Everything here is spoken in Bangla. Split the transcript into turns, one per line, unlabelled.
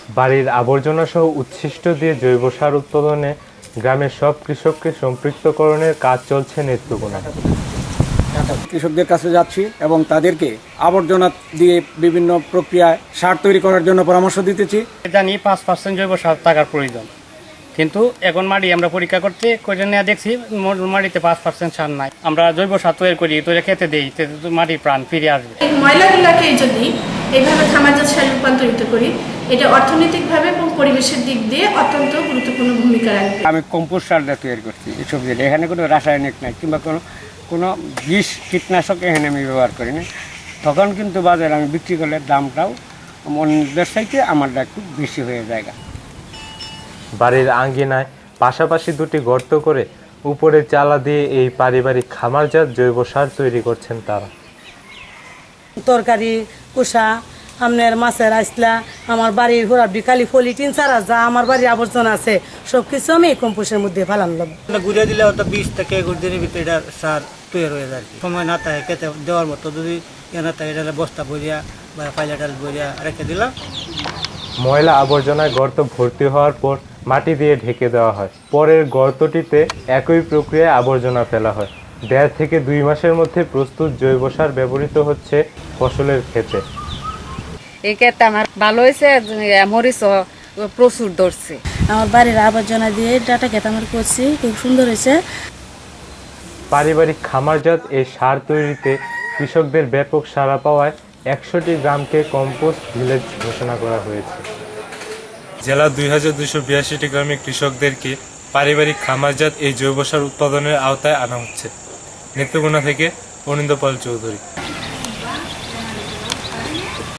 বাড়ির আবর্জনা সহ উচ্ছিষ্ট দিয়ে জৈব সার উৎপাদনে গ্রামের সব কৃষককে সম্পৃক্তকরণের কাজ চলছে নেত্রকোনায়।
কৃষকদের কাছে যাচ্ছি এবং তাদেরকে আবর্জনা দিয়ে বিভিন্ন প্রক্রিয়ায় সার তৈরি করার জন্য পরামর্শ দিতেছি।
জানি 5% জৈব সার থাকার প্রয়োজন, কিন্তু এখন মাটি আমরা পরীক্ষা করে নিয়ে দেখছি মাটিতে 5% সার নাই। আমরা জৈব সার তৈরি করি, তৈরি খেতে দিই, মাটির প্রাণ ফিরে আসবে।
এই ময়লাগুলোকে যদি এইভাবে খামারজাত সারে রূপান্তরিত করি, এটা অর্থনৈতিকভাবে এবং পরিবেশের দিক দিয়ে অত্যন্ত গুরুত্বপূর্ণ ভূমিকা রাখবে।
আমি কম্পোস্ট সারটা তৈরি করছি এই সবজির। এখানে কোনো রাসায়নিক নাই কিংবা কোনো বিষ কীটনাশক এখানে আমি ব্যবহার করি না। তখন কিন্তু বাজারে আমি বিক্রি করলে দামটাও অন্যদের চাইতে আমারটা একটু বেশি হয়ে যায়।
বাড়ির আঙ্গিনায় পাশাপাশি দুটি গর্ত করে উপরে চালা দিয়ে এই পারিবারিক খামারজাত জৈব সার তৈরি করছেন তারা।
তরকারি কুসা আপনার মাছের আইসলা, আমার বাড়ির ঘোরা বিকালি ফলিটিন ছাড়া যা আমার বাড়ির আবর্জনা আছে সব কিছু আমি এই কম্পোস্টের মধ্যে ফেলাম।
ঘুরে দিলে ওটা 20 থেকে 21 দিনের ভিতরে এটা সার তৈরি হয়ে যায়। সময় না থাকে খেতে দেওয়ার মতো যদি না থাকে এটা বস্তা ভরিয়া বা পাইলাটাল ভরিয়া রেখে দিলাম।
ময়লা আবর্জনায় গর্ত ভর্তি হওয়ার পর মাটি দিয়ে ঢেকে দেওয়া হয়। পরের গর্তটিতে একই প্রক্রিয়ায় আবর্জনা ফেলা হয়। 1.5 থেকে 2 মাসের মধ্যে প্রস্তুত জৈব সার ব্যবহৃত হচ্ছে ফসলের ক্ষেতে।
এই ক্ষেত্রে আমার ভালো হয়েছে, মরিচ প্রচুর ধরছে।
আমার বাড়ির আবর্জনা দিয়ে ডাটা খেতে আমার করছি, খুব সুন্দর হয়েছে।
পারিবারিক খামারজাত এই সার তৈরিতে কৃষকদের ব্যাপক সাড়া পাওয়ায় 100টি গ্রামকে কম্পোস্ট ভিলেজ ঘোষণা করা হয়েছে। জেলার 2282টি গ্রামে কৃষকদেরকে পারিবারিক খামারজাত এই জৈব সার উৎপাদনের আওতায় আনা হচ্ছে। নেত্রকোনা থেকে অনিন্দ্য পাল চৌধুরী।